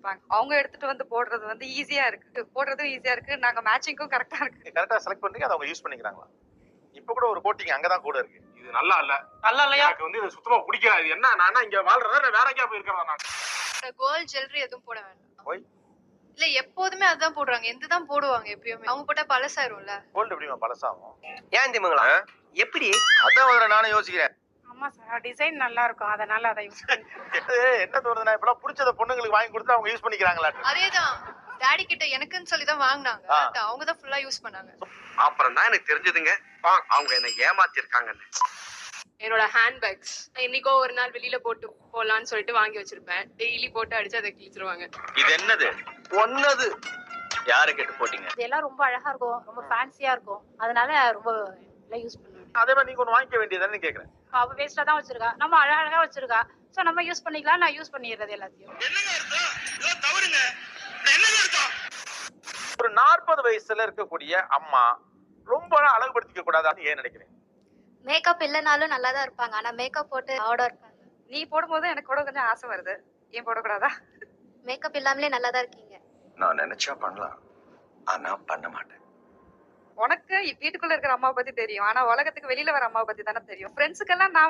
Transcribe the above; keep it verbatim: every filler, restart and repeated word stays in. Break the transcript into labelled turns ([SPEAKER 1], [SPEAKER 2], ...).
[SPEAKER 1] வச்சிருப்பாங்க. அவங்க எடுத்துட்டு வந்து போடுறது வந்து ஈஸியா இருக்கு. போடுறதும் ஈஸியா இருக்கு. நாங்க மேட்சிங்க்கும் கரெக்ட்டா இருக்கு.
[SPEAKER 2] கரெக்ட்டா செலக்ட் பண்ணீங்க, அத அவங்க யூஸ் பண்ணிக்கிறாங்களா? இப்ப கூட ஒரு கோட்டிங் அங்க தான் கூட இருக்கு.
[SPEAKER 3] இது நல்லா இல்ல.
[SPEAKER 4] நல்லா இல்லையா?
[SPEAKER 3] எனக்கு வந்து இது சுத்தமா பிடிக்கல. இது என்ன நானா இங்க வாழ்றதா இல்ல வேற எங்கயா போய் இருக்கறதா நான்?
[SPEAKER 5] கோல்ட் ஜுவல்லரி எதுவும் போட வேண்டாம்.
[SPEAKER 2] ஒய்?
[SPEAKER 5] இல்ல எப்போதுமே அதான் போடுறாங்க. எந்த தான் போடுவாங்க எப்பயுமே. அவங்க போட்டா பழசாயிரும்ல.
[SPEAKER 2] கோல்ட் எப்படிமா பழசாகும்?
[SPEAKER 4] ஏன் திமுங்களா? எப்படி?
[SPEAKER 2] அதான் முதல்ல நானும் யோசிக்கிறேன்.
[SPEAKER 1] ஆமா சார். டிசைன் நல்லா இருக்கும். அதனால அதை யூஸ்
[SPEAKER 2] ஏய், என்ன தோணுதுன்னா இப்பலாம் புடிச்சத பொண்ணுங்களுக்கு வாங்கி கொடுத்து அவங்க யூஸ் பண்ணிக்கிறாங்களா?
[SPEAKER 5] அதேதான். டாடி கிட்ட எனக்குன்னு சொல்லி தான் வாங்குனாங்க.
[SPEAKER 2] ஆ.
[SPEAKER 5] அவங்க தான் ஃபுல்லா யூஸ் பண்ணாங்க.
[SPEAKER 4] அப்புறம் தான் எனக்கு தெரிஞ்சதுங்க அவங்க என்ன ஏமாத்தி இருக்காங்கன்னு.
[SPEAKER 6] என்னோட ஹேண்ட் பேக்ஸ் என்னைக்கோ ஒரு நாள் வெளியில போட்டு போலான்னு சொல்லிட்டு வாங்கி வச்சிருப்பேன். டெய்லி போட்டு அடிச்சு அதை கிழிச்சிருவாங்க.
[SPEAKER 7] இது என்னது?
[SPEAKER 4] ஒன்னது
[SPEAKER 7] யாரை கேட்டு போட்டீங்க?
[SPEAKER 1] இதெல்லாம் ரொம்ப அழகா இருக்கும். ரொம்ப ஃபேன்சியா இருக்கும். அதனால ரொம்ப யூஸ் பண்ணுவேன்.
[SPEAKER 2] அதே மாதிரி நீங்க ஒண்ணு வாங்கிக்க வேண்டியதுன்னு கேக்குறேன்.
[SPEAKER 1] அவ வேஸ்டா தான் வச்சிருக்கா. நம்ம அழகா வச்சிருக்கா. சோ நம்ம யூஸ் பண்ணிக்கலாம். நான் யூஸ் பண்ணிடுறது எல்லாத்தையும்.
[SPEAKER 2] ஒரு நாற்பது வயசுல இருக்கக்கூடிய அம்மா ரொம்ப அழகுபடுத்திக்க கூடாதான்னு ஏன் நினைக்கிறேன்?
[SPEAKER 5] மேக்கப் இல்லனாலும் நல்லா தான் இருப்பாங்க. ஆனா மேக்கப் போட்டு ஆர்டர் இருக்காங்க.
[SPEAKER 1] நீ போடும்போது எனக்கு கூட கொஞ்சம் ஆசை வருது. ஏன் போடக்கூடாதா?
[SPEAKER 5] மேக்கப் இல்லாமலே நல்லா தான் இருக்கீங்க.
[SPEAKER 7] நான் நினைச்சா பண்ணலாம், ஆனா பண்ண மாட்டேன்.
[SPEAKER 1] உனக்கு வீட்டுக்குள்ள இருக்கிற அம்மாவை பத்தி தெரியும். ஆனா உலகத்துக்கு வெளியில வர அம்மாவை பத்தி தானே தெரியும். ஃப்ரெண்ட்ஸுக்கெல்லாம் நான்